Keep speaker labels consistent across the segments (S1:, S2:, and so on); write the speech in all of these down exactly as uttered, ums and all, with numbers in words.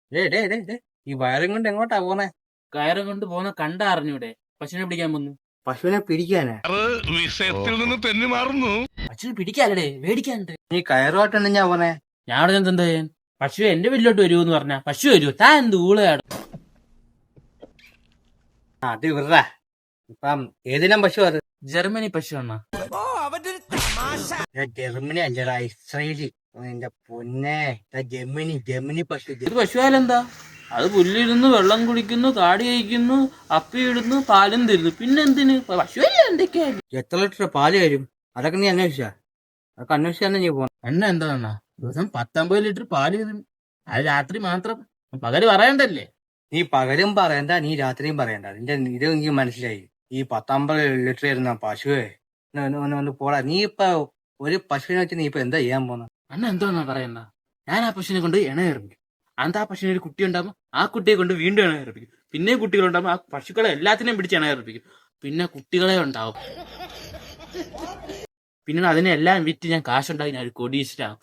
S1: Day day day day ഈ വയറും കൊണ്ട് എങ്ങോട്ടാ പോന്നെ?
S2: കയറും കൊണ്ട് പോകുന്ന കണ്ട അറിഞ്ഞൂടെ? പശുവിനെ പിടിക്കാൻ പോന്നു.
S1: പശുവിനെ പിടിക്കാനാ?
S3: വിഷയത്തിൽ നിന്ന് തെന്നി മാറുന്നു.
S2: പശുവിനെ പിടിക്കാല്ലേ, മേടിക്കാനുണ്ട്.
S1: നീ കയറുമായിട്ടാണ് ഞാൻ പോന്നെ.
S2: ഞാൻ അവിടെ ഞാൻ എന്താ ചെയ്യാൻ? പശു എന്റെ വീട്ടിലോട്ട് വരുമെന്ന് പറഞ്ഞ പശു വരുമോ? താൻ എന്ത് ഊളയാണ്?
S1: ആ, അത് വിറ. ഇപ്പം ഏതിനം പശു അത്?
S2: ജർമ്മനി പശു അണ്ണാ.
S1: ജർമ്മനി അല്ലടാ, ഇസ്രയേലി. എന്റെ പൊന്നെ, ജർമ്മനി ജർമ്മനി പശു.
S2: ഇത് പശുവാലെന്താ? അത് പുല്ലിരുന്നു, വെള്ളം കുടിക്കുന്നു, കാടി കഴിക്കുന്നു, അപ്പി ഇടുന്നു, പാലും തരുന്നു. പിന്നെ എന്തിന് പശുവല്ലേ? എന്തൊക്കെയാ?
S1: എത്ര ലിറ്റർ പാല് തരും? അതൊക്കെ നീ അന്വേഷിച്ചാ? അതൊക്കെ അന്വേഷിച്ചാണ് നീ പോന്നെ.
S2: എണ്ണ എന്താ ദിവസം പത്തൊമ്പത് ലിറ്റർ പാല് തരും. അത് രാത്രി മാത്രം, പകല് പറയണ്ടല്ലേ?
S1: നീ പകലും പറയണ്ട, നീ രാത്രിയും പറയണ്ട. നിന്റെ ഇത് എനിക്ക് മനസ്സിലായി. ഈ പത്തമ്പത് ലിറ്റർ തരുന്ന പശുവേ ഒന്ന് പോടാ. നീ ഇപ്പൊ ഒരു പശുവിനെ വെച്ച് നീ ഇപ്പൊ എന്താ ചെയ്യാൻ പോന്ന?
S2: അണ്ണ എന്താ പറയണ്ട? ഞാൻ ആ പശുവിനെ കൊണ്ട് ഇണ ഇറപ്പിക്കും. അന്ന് ആ പശുവിന് ഒരു കുട്ടി ഉണ്ടാകുമ്പോൾ ആ കുട്ടിയെ കൊണ്ട് വീണ്ടും ഇണ ഇറപ്പിക്കും. പിന്നെ കുട്ടികളുണ്ടാകുമ്പോൾ ആ പശുക്കളെ എല്ലാത്തിനെയും പിടിച്ച് ഇണ ഇറപ്പിക്കും. പിന്നെ കുട്ടികളെ ഉണ്ടാവും. പിന്നെ അതിനെല്ലാം വിറ്റ് ഞാൻ കാശുണ്ടാക്കി ഞാൻ ഒരു കൊടീശ്വരാകും.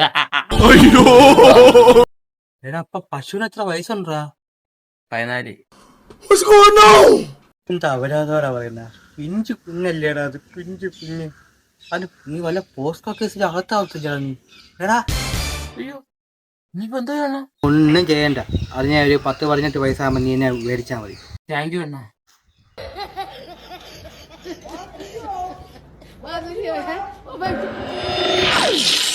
S1: എടാ, അപ്പൊ പശുവിന് എത്ര വയസ്സുണ്ടാ?
S2: പതിനാല്.
S1: എന്താ അവരാധോരാ പറയുന്ന? പിഞ്ചു കുഞ്ഞല്ലേടാ അത്, പിഞ്ചു കുഞ്ഞ്. അത് നീ വല്ല പോസ്റ്റ് കേസിൽ അകത്താവത്തില്ല നീ. എടാ
S2: അയ്യോ, നീയിപ്പോ എന്താ ചെയ്യണം?
S1: ഒന്നും ചെയ്യണ്ട. അത് ഞാൻ ഒരു പത്ത് പതിനെട്ട് വയസ്സാകുമ്പോ നീ എന്നെ മേടിച്ചാ മതി.
S2: താങ്ക് യു അണ്ണാ.
S4: Wat is hier, hè?